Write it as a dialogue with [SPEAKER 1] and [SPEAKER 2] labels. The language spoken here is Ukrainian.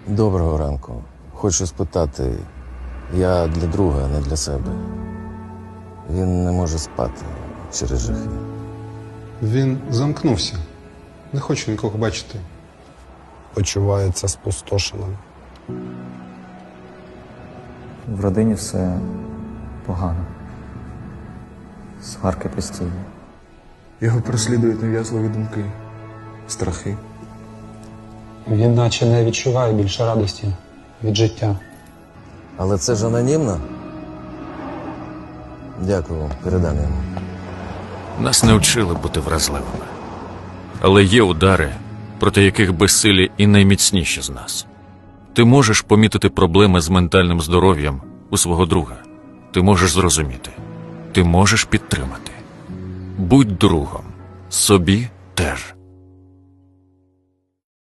[SPEAKER 1] Доброго ранку. Хочу спитати, я для друга, а не для себе. Він не може спати через жахи.
[SPEAKER 2] Він замкнувся. Не хоче нікого бачити.
[SPEAKER 3] Почувається спустошеним.
[SPEAKER 4] В родині все погано. Сварки постійні.
[SPEAKER 5] Його переслідують нав'язливі думки, страхи.
[SPEAKER 6] Він наче не відчуває більше радості від життя.
[SPEAKER 1] Але це ж анонімно? Дякую, передам йому.
[SPEAKER 7] Нас не вчили бути вразливими. Але є удари, проти яких безсилі і найміцніші з нас. Ти можеш помітити проблеми з ментальним здоров'ям у свого друга. Ти можеш зрозуміти. Ти можеш підтримати. Будь другом. Собі теж.